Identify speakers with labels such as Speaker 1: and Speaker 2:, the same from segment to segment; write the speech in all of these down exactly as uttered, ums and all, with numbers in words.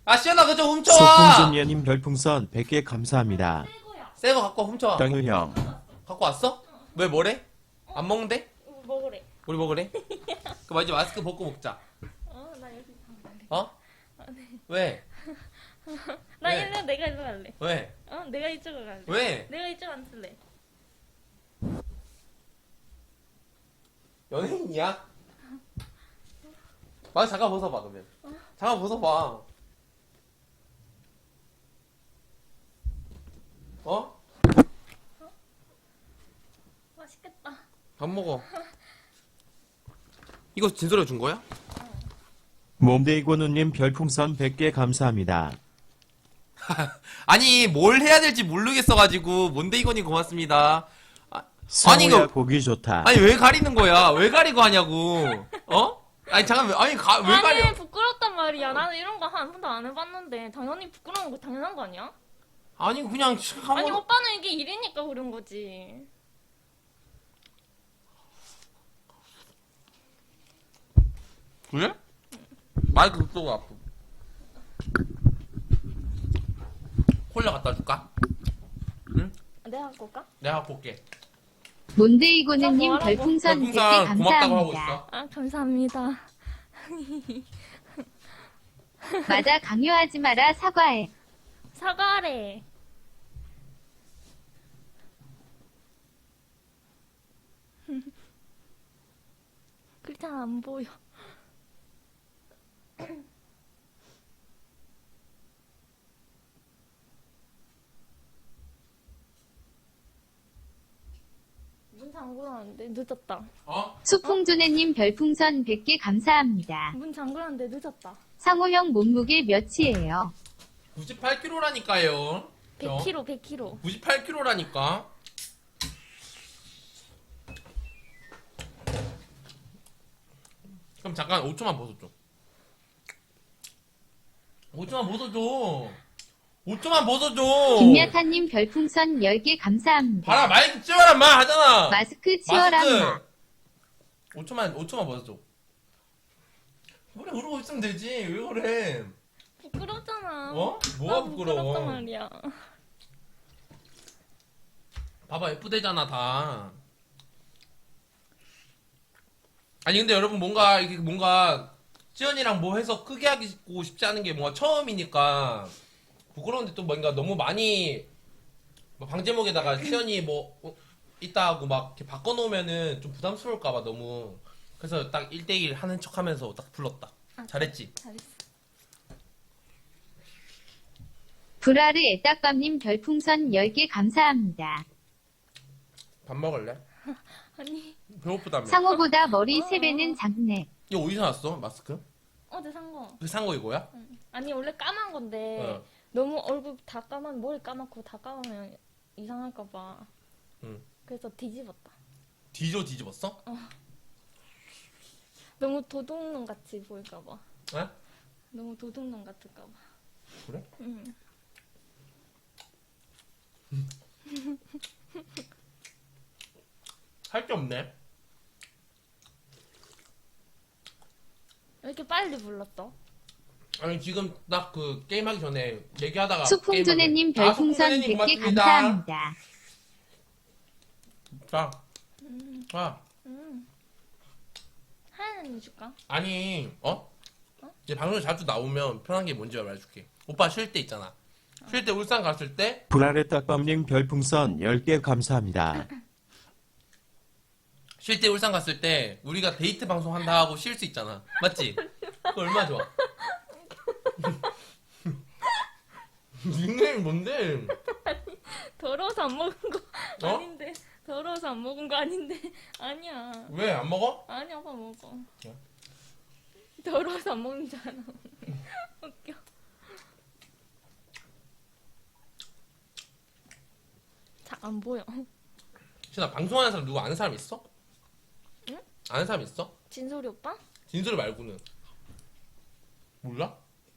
Speaker 1: 아 시연아 그거 좀 훔쳐와.
Speaker 2: 소풍준예님 별풍선 백 개 감사합니다.
Speaker 1: 새 거 갖고 와, 훔쳐와.
Speaker 2: 땅유 형.
Speaker 1: 갖고 왔어? 왜 뭐래? 안 먹는데?
Speaker 3: 어, 먹으래.
Speaker 1: 우리 먹으래? 그럼 이제 마스크 벗고 먹자.
Speaker 3: 어, 나 여기 갈래.
Speaker 1: 어? 왜?
Speaker 3: 나
Speaker 1: 왜?
Speaker 3: 일로 내가 일로 갈래.
Speaker 1: 왜?
Speaker 3: 어, 내가 이쪽으로 갈래.
Speaker 1: 왜?
Speaker 3: 내가 이쪽 앉을래.
Speaker 1: 연예인이야? 마스크 잠깐 벗어봐 그러면. 잠깐 벗어봐. 어?
Speaker 3: 맛있겠다.
Speaker 1: 밥 먹어. 이거 진솔이가 준 거야?
Speaker 2: 몸데이고누님 별풍선 백 개 감사합니다.
Speaker 1: 아니 뭘 해야 될지 모르겠어가지고 뭔데 이거니 고맙습니다. 아, 아니
Speaker 2: 성우야
Speaker 1: 이거
Speaker 2: 보기 좋다.
Speaker 1: 아니 왜 가리는 거야? 왜 가리고 하냐고? 어? 아니 잠깐 만 아니 가, 왜
Speaker 3: 아니
Speaker 1: 가려?
Speaker 3: 부끄럽단 말이야. 나는 이런 거 한 번도 안 해봤는데 당연히 부끄러운 거 당연한 거 아니야?
Speaker 1: 아니 그냥 한
Speaker 3: 아니
Speaker 1: 번-
Speaker 3: 오빠는 이게 일이니까 그런 거지.
Speaker 1: 그래? 마이크 그쪽으로 앞으로. 콜라 갖다 줄까? 응?
Speaker 3: 내가 갖고 올까?
Speaker 1: 내가 갖고 올게.
Speaker 4: 몬데이고는님
Speaker 3: 뭐라고?
Speaker 4: 별풍선 백 개
Speaker 1: 별풍선 고맙다고 하고
Speaker 4: 감사합니다.
Speaker 1: 있어.
Speaker 3: 아 감사합니다.
Speaker 4: 맞아, 강요하지 마라, 사과해.
Speaker 3: 사과래. 글자 안 보여. 문 잠그라는데 늦었다.
Speaker 1: 어?
Speaker 4: 수풍조네님 별풍선 백 개 감사합니다.
Speaker 3: 문 잠그라는데 늦었다.
Speaker 4: 상호형 몸무게 몇이에요?
Speaker 1: 구십팔 킬로그램라니까요.
Speaker 3: 백 킬로그램, 백 킬로그램.
Speaker 1: 구십팔 킬로그램라니까. 그럼 잠깐 오 초만 벗어줘. 오 초만 벗어줘. 오 초만 벗어줘.
Speaker 4: 김야타님 별풍선 열 개 감사합니다.
Speaker 1: 봐라 마이크 치워라 마 하잖아.
Speaker 4: 마스크 치워라, 마.
Speaker 1: 오 초만 오 초만 벗어줘. 그래 그러고 있으면 되지. 왜 그래?
Speaker 3: 부끄럽잖아.
Speaker 1: 어? 뭐가
Speaker 3: 나
Speaker 1: 부끄러워?
Speaker 3: 부끄럽단 말이야.
Speaker 1: 봐봐 예쁘대잖아 다. 아니 근데 여러분 뭔가 이게 뭔가 지연이랑 뭐 해서 크게 하고 싶지 않은 게 뭔가 처음이니까 부끄러운데 또 뭔가 너무 많이 뭐 방제목에다가 지연이 뭐 어, 있다 하고 막 이렇게 바꿔놓으면은 좀 부담스러울까봐 너무 그래서 딱 일 대일 하는 척하면서 딱 불렀다.
Speaker 3: 아,
Speaker 1: 잘했지?
Speaker 3: 잘했어.
Speaker 4: 브라르 애딱밤님 별풍선 열 개 감사합니다.
Speaker 1: 밥 먹을래?
Speaker 3: 아니
Speaker 1: 배고프다며.
Speaker 4: 상호보다 머리 세 배는 작네.
Speaker 1: 이거 어디서 났어? 마스크?
Speaker 3: 어제 산 거.
Speaker 1: 그 산 거 이거야?
Speaker 3: 아니 원래 까만 건데
Speaker 1: 어.
Speaker 3: 너무 얼굴 다 까만 머리 까맣고 다 까마면 이상할까 봐.
Speaker 1: 응.
Speaker 3: 그래서 뒤집었다.
Speaker 1: 뒤져 뒤집었어?
Speaker 3: 너무 도둑놈 같이 보일까 봐.
Speaker 1: 에?
Speaker 3: 너무 도둑놈 같을까 봐.
Speaker 1: 그래?
Speaker 3: 응.
Speaker 1: 할 게 없네.
Speaker 3: 왜 이렇게 빨리 불렀어?
Speaker 1: 아니 지금 딱 그 게임 하기 전에 얘기하다가
Speaker 4: 수풍조네님
Speaker 1: 게임하기- 아,
Speaker 4: 별풍선
Speaker 1: 수풍조네님
Speaker 4: 백 개
Speaker 1: 고맙습니다.
Speaker 4: 감사합니다.
Speaker 1: 자, 아
Speaker 3: 응. 하얀 언니 줄까?
Speaker 1: 아니 어? 이제 방송에 자주 나오면 편한 게 뭔지 말해줄게. 오빠 쉴 때 있잖아. 쉴 때 울산 갔을 때
Speaker 2: 브라레 딱밤님 별풍선 열 개 감사합니다.
Speaker 1: 쉴 때 울산 갔을 때 우리가 데이트 방송 한다 하고 쉴 수 있잖아. 맞지? 그거 얼마나 좋아. 닉네임 뭔데?
Speaker 3: 더러워서 안 먹은 거
Speaker 1: 어?
Speaker 3: 아닌데. 더러워서 안 먹은 거 아닌데. 아니야.
Speaker 1: 왜 안 먹어?
Speaker 3: 아니 아빠 먹어.
Speaker 1: 그래?
Speaker 3: 더러워서 안 먹는 줄 알아. 웃겨. 잘 안 보여.
Speaker 1: 신아 방송하는 사람 누구 아는 사람 있어?
Speaker 3: 응?
Speaker 1: 아는 사람 있어?
Speaker 3: 진솔이 오빠?
Speaker 1: 진솔이 말고는 몰라?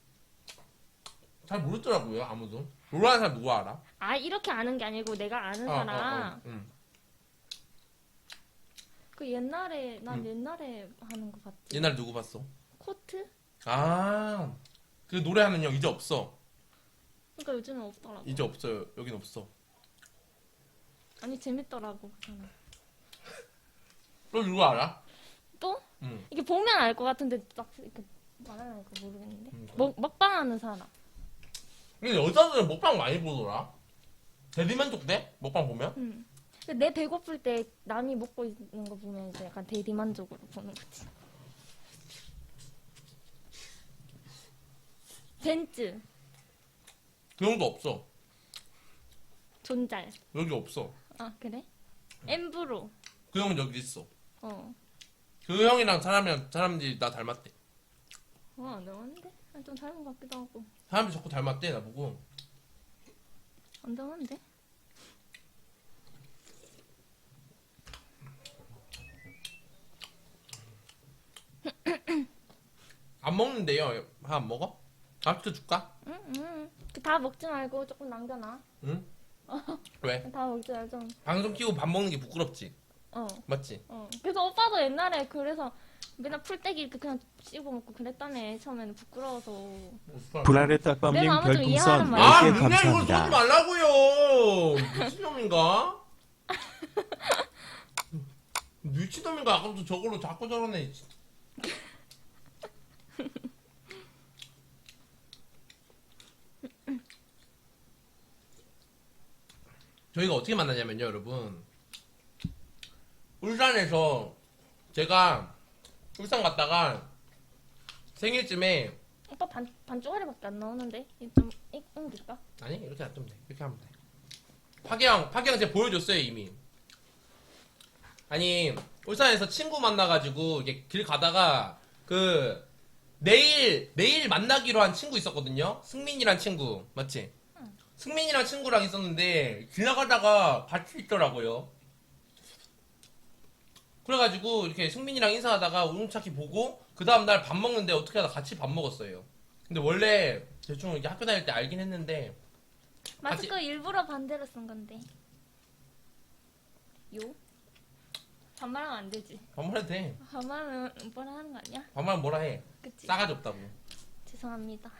Speaker 1: 잘 모르더라고요 아무도. 모르는 사람 누구 알아?
Speaker 3: 아 이렇게 아는 게 아니고 내가 아는
Speaker 1: 어,
Speaker 3: 사람.
Speaker 1: 어, 어, 응.
Speaker 3: 그 옛날에 난
Speaker 1: 응.
Speaker 3: 옛날에 하는 거 봤지.
Speaker 1: 옛날 누구 봤어?
Speaker 3: 코트?
Speaker 1: 아 그 노래하는 형 이제 없어.
Speaker 3: 그러니까 요즘은 없더라고.
Speaker 1: 이제 없어요. 여긴 없어.
Speaker 3: 아니 재밌더라고 그 사람.
Speaker 1: 너 누구 알아?
Speaker 3: 또?
Speaker 1: 응.
Speaker 3: 이게 보면 알 것 같은데 딱 이렇게 말하니까 모르겠는데.
Speaker 1: 음, 그래?
Speaker 3: 먹 먹방하는 사람.
Speaker 1: 근데 여자들은 먹방 많이 보더라. 대리만족돼? 먹방 보면?
Speaker 3: 응. 근데 내 배고플 때 남이 먹고 있는 거 보면 이제 약간 대리만족으로 보는 거지. 벤츠,
Speaker 1: 그 형도 없어.
Speaker 3: 존잘.
Speaker 1: 여기 없어.
Speaker 3: 아 그래? 엠브로.
Speaker 1: 그 형은 여기 있어.
Speaker 3: 어.
Speaker 1: 그 형이랑 사람이랑 사람들이 나 닮았대.
Speaker 3: 어, 안 닮았는데? 아, 좀 닮은 것 같기도 하고.
Speaker 1: 사람들이 자꾸 닮았대 나보고.
Speaker 3: 안 닮았는데?
Speaker 1: 안 먹는데요. 하나 안 먹어? 밥 시켜줄까?
Speaker 3: 응, 응. 그 다 먹지 말고 조금 남겨놔.
Speaker 1: 응? 왜?
Speaker 3: 다 먹지 말고 좀.
Speaker 1: 방송 키고 밥 먹는 게 부끄럽지?
Speaker 3: 어,
Speaker 1: 맞지?
Speaker 3: 어. 그래서 오빠도 옛날에 그래서 맨날 풀떼기 이렇게 그냥 씹어 먹고 그랬다며. 처음에는 부끄러워서.
Speaker 2: 불안의 딱밤님
Speaker 3: 내가 아마 좀 이해하는
Speaker 2: 별풍선
Speaker 3: 말이야.
Speaker 1: 아,
Speaker 2: 열 개
Speaker 1: 문양 이걸 쏘지
Speaker 2: 감사합니다.
Speaker 1: 말라고요. 미친놈인가? 미친놈인가? 아까부터 저걸로 자꾸 저러네. 저희가 어떻게 만나냐면요, 여러분. 울산에서 제가 울산 갔다가 생일쯤에
Speaker 3: 오빠 반, 반 쪼가리밖에 안 나오는데? 이거 좀 이- 옮길까?
Speaker 1: 아니 이렇게 놔두면 돼. 이렇게 하면 돼. 파기형 파기형 제가 보여줬어요 이미. 아니 울산에서 친구 만나가지고 이게 길 가다가 그 내일 내일 만나기로 한 친구 있었거든요. 승민이란 친구 맞지?
Speaker 3: 응.
Speaker 1: 승민이랑 친구랑 있었는데 지나가다가 같이 있더라고요. 그래가지고 이렇게 승민이랑 인사하다가 우렁차키 보고 그 다음날 밥 먹는데 어떻게 하다 같이 밥 먹었어요. 근데 원래 대충 이렇게 학교 다닐 때 알긴 했는데
Speaker 3: 마스크 일부러 반대로 쓴 건데. 요? 반말하면 안 되지.
Speaker 1: 반말해도 돼.
Speaker 3: 반말은 오빠랑 하는 거 아니야?
Speaker 1: 반말 뭐라 해.
Speaker 3: 그치?
Speaker 1: 싸가지 없다고.
Speaker 3: 죄송합니다.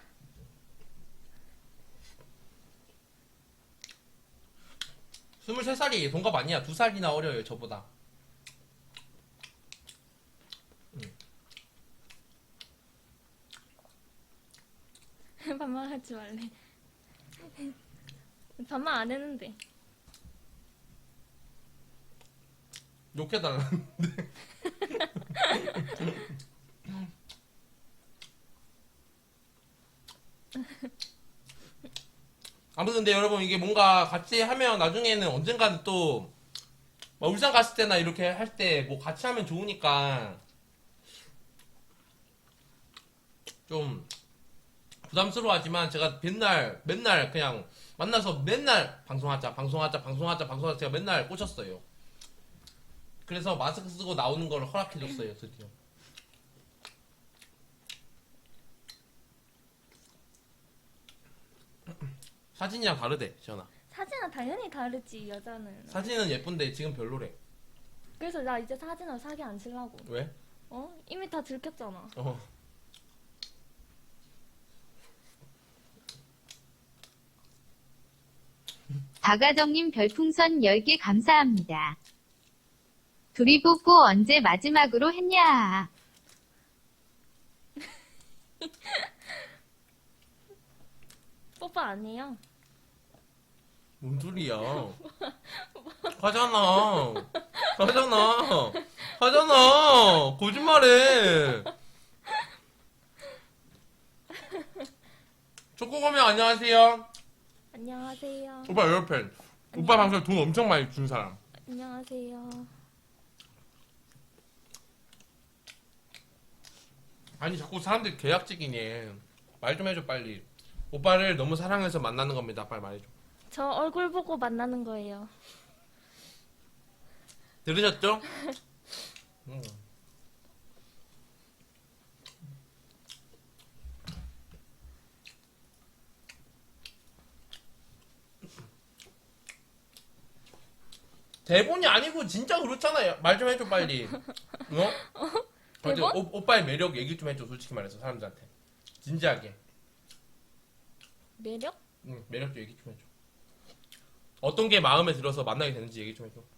Speaker 1: 스물세 살이 동갑 아니야. 두 살이나 어려요 저보다.
Speaker 3: 반말하지 말래. 반말 안 했는데.
Speaker 1: 욕해달라는데. 아무튼 근데 여러분 이게 뭔가 같이 하면 나중에는 언젠가는 또막 울산 갔을 때나 이렇게 할 때 뭐 같이 하면 좋으니까 좀 부담스러워하지만 제가 맨날 맨날 그냥 만나서 맨날 방송하자 방송하자 방송하자 방송하자 제가 맨날 꽂혔어요. 그래서 마스크 쓰고 나오는 걸 허락해줬어요 드디어. 사진이랑 다르대 시연아.
Speaker 3: 사진은 당연히 다르지 여자는.
Speaker 1: 사진은 예쁜데 지금 별로래.
Speaker 3: 그래서 나 이제 사진을 사기 안 치려고.
Speaker 1: 왜?
Speaker 3: 어? 이미 다 들켰잖아.
Speaker 1: 어.
Speaker 4: 박아정님 별풍선 열 개 감사합니다. 둘이 뽀뽀 언제 마지막으로 했냐?
Speaker 3: 뽀뽀 아니에요.
Speaker 1: 뭔 소리야? 하잖아. 하잖아. 하잖아. 거짓말해. 초코거미 안녕하세요.
Speaker 3: 안녕하세요.
Speaker 1: 오빠 에어팬. 오빠 방송에 돈 엄청 많이 준 사람.
Speaker 3: 안녕하세요.
Speaker 1: 아니 자꾸 사람들이 계약직이네. 말 좀 해줘 빨리. 오빠를 너무 사랑해서 만나는 겁니다. 빨리 말해줘.
Speaker 3: 저 얼굴 보고 만나는 거예요.
Speaker 1: 들으셨죠? 음. 대본이 아니고 진짜 그렇잖아요. 말 좀 해줘 빨리. 어?
Speaker 3: 대본?
Speaker 1: 오, 오빠의 매력 얘기 좀 해줘. 솔직히 말해서 사람들한테 진지하게.
Speaker 3: 매력?
Speaker 1: 응, 매력 좀 얘기 좀 해줘. 어떤 게 마음에 들어서 만나게 되는지 얘기 좀 해줘.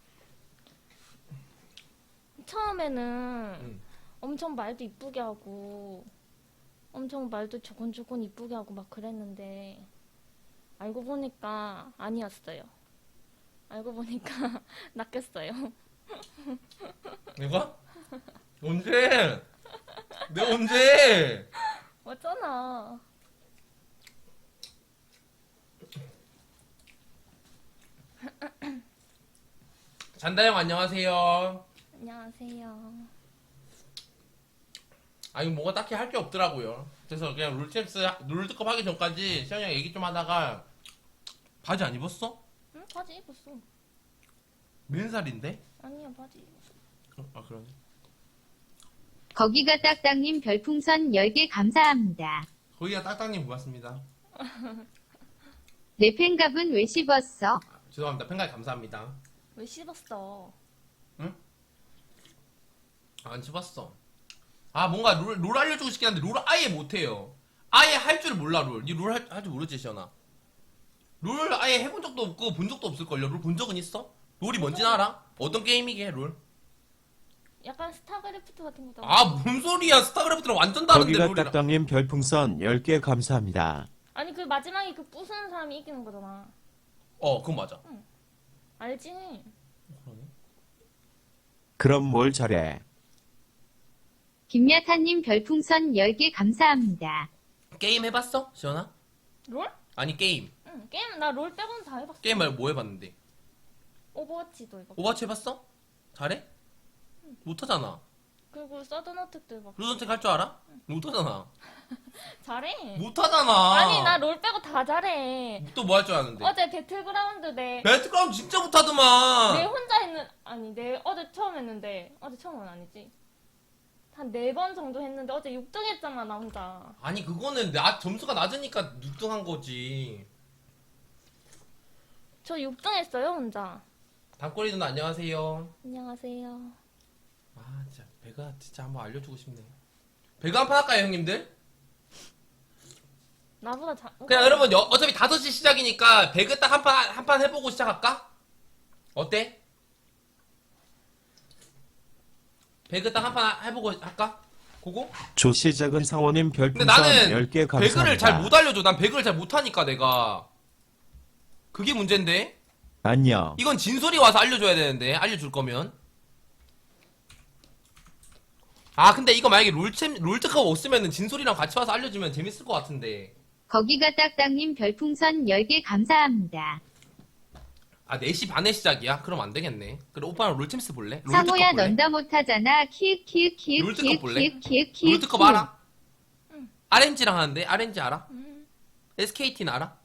Speaker 3: 처음에는
Speaker 1: 응.
Speaker 3: 엄청 말도 이쁘게 하고 엄청 말도 조곤조곤 이쁘게 하고 막 그랬는데 알고 보니까 아니었어요. 알고 보니까 낚였어요.
Speaker 1: 내가? 언제? 내가 언제?
Speaker 3: 맞잖아.
Speaker 1: 잔다형 안녕하세요.
Speaker 3: 안녕하세요.
Speaker 1: 아니 뭐가 딱히 할 게 없더라고요. 그래서 그냥 롤챔스 롤드컵 하기 전까지 시현이랑 얘기 좀 하다가 바지 안 입었어?
Speaker 3: 응? 바지 입었어.
Speaker 1: 몇 살인데?
Speaker 3: 아니야, 바지 입었어.
Speaker 1: 어, 아 그러네.
Speaker 4: 거기가 딱딱님 별풍선 열 개 감사합니다.
Speaker 1: 거기가 딱딱님 고맙습니다.
Speaker 4: 내 팬갑은 왜 씹었어?
Speaker 1: 아, 죄송합니다. 팬가이 감사합니다.
Speaker 3: 왜 씹었어?
Speaker 1: 안 씹었어. 아 뭔가 롤, 롤 알려주고 싶긴 한데 롤 아예 못해요. 아예 할 줄 몰라 롤. 니 롤 할 줄 모르지 시현아? 롤 아예 해본 적도 없고 본 적도 없을걸요? 롤 본 적은 있어? 롤이 뭔지 알아? 어떤 게임이게 롤?
Speaker 3: 약간 스타크래프트 같은 거다.
Speaker 1: 아 뭔 소리야. 스타크래프트랑 완전 다른데
Speaker 2: 거기가
Speaker 1: 롤이랑.
Speaker 2: 딱딱님 별풍선 열 개 감사합니다.
Speaker 3: 아니 그 마지막에 그 부수는 사람이 이기는 거잖아.
Speaker 1: 어 그건 맞아.
Speaker 3: 알지?
Speaker 2: 그럼 뭘 잘해?
Speaker 4: 김야타님 별풍선 열 개 감사합니다.
Speaker 1: 게임 해봤어? 시현아?
Speaker 3: 롤?
Speaker 1: 아니 게임.
Speaker 3: 응. 게임 나 롤 빼고는 다 해봤어.
Speaker 1: 게임 말고 뭐 해봤는데?
Speaker 3: 오버워치도 해봤고.
Speaker 1: 오버워치 해봤어? 잘해? 못하잖아.
Speaker 3: 그리고 서든어택도 해봤고.
Speaker 1: 루던텍 할 줄 알아? 못하잖아.
Speaker 3: 잘해.
Speaker 1: 못하잖아.
Speaker 3: 아니 나 롤 빼고 다 잘해.
Speaker 1: 또 뭐 할 줄 아는데?
Speaker 3: 어제 배틀그라운드 내,
Speaker 1: 배틀그라운드 진짜 못하더만.
Speaker 3: 내 혼자 했는 아니 내 어제 처음 했는데 어제 처음은 아니지. 한 네 번 정도 했는데 어제 육 등 했잖아 나 혼자.
Speaker 1: 아니 그거는 나 점수가 낮으니까 육 등 한 거지.
Speaker 3: 저 육 등 했어요 혼자.
Speaker 1: 단꼬리 누나 안녕하세요.
Speaker 3: 안녕하세요.
Speaker 1: 아 진짜 배가 진짜 한번 알려주고 싶네. 배가 한 판 할까요 형님들?
Speaker 3: 나보다 잘.
Speaker 1: 그냥 여러분 여- 어차피 다섯 시 시작이니까 배그 딱 한 판 한 판 해보고 시작할까? 어때? 배그 딱 한 판 해보고 할까? 고고?
Speaker 2: 조시작은 상호님
Speaker 1: 근데
Speaker 2: 별풍선
Speaker 1: 나는
Speaker 2: 열 개 감사합니다.
Speaker 1: 배그를 잘 못 알려줘. 난 배그를 잘 못하니까 내가. 그게 문제인데?
Speaker 2: 안녕.
Speaker 1: 이건 진솔이 와서 알려줘야 되는데 알려줄 거면. 아 근데 이거 만약에 롤챔 롤드컵 없으면은 진솔이랑 같이 와서 알려주면 재밌을 것 같은데.
Speaker 4: 거기가 딱딱님 별풍선 열 개 감사합니다.
Speaker 1: 아 네 시 반에 시작이야? 그럼 안 되겠네. 그래 오빠랑 롤챔스 볼래? 롤드컵
Speaker 4: 상호야
Speaker 1: 볼래?
Speaker 4: 넌 다 못하잖아. 키읔 키읔 키읔
Speaker 1: 롤드컵
Speaker 4: 키읔
Speaker 1: 볼래?
Speaker 4: 키읔 키읔 키읔
Speaker 1: 롤드컵
Speaker 4: 키읔.
Speaker 1: 알아? 알엔지랑 하는데 알엔지 알아?
Speaker 3: 음.
Speaker 1: 에스케이티는 알아?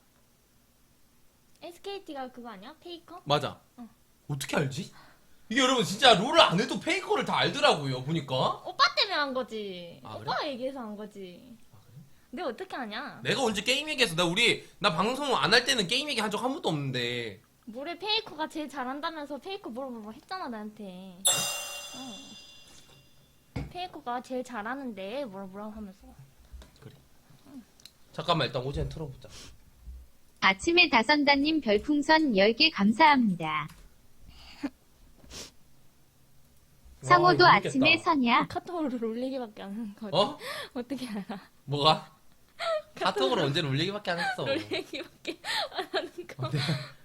Speaker 3: 에스케이티가 그거 아니야? 페이커?
Speaker 1: 맞아.
Speaker 3: 응.
Speaker 1: 어떻게 알지? 이게 여러분 진짜 롤을 안 해도 페이커를 다 알더라고요 보니까.
Speaker 3: 오빠 때문에 한 거지.
Speaker 1: 아, 그래?
Speaker 3: 오빠가 얘기해서 한 거지. 내가 어떻게 하냐?
Speaker 1: 내가 언제 게임 얘기해서 나 우리 나 방송 안 할 때는 게임 얘기 한 적 한 번도 없는데.
Speaker 3: 뭐래 페이커가 제일 잘한다면서 페이커 물어보고 했잖아 나한테. 어. 페이커가 제일 잘하는데 뭐라 뭐라 하면서.
Speaker 1: 잠깐만 일단 오젠 틀어보자.
Speaker 4: 아침에 다선다님 별풍선 열 개 감사합니다. 상호도
Speaker 1: 와, 이거
Speaker 4: 아침에
Speaker 1: 재밌겠다.
Speaker 4: 서냐?
Speaker 3: 카톡으로 올리기밖에 안 하는 거지.
Speaker 1: 어?
Speaker 3: 어떻게 알아?
Speaker 1: 뭐가? 카톡으로 언제 롤 얘기밖에 안 했어.
Speaker 3: 롤 얘기밖에 안 하는 거.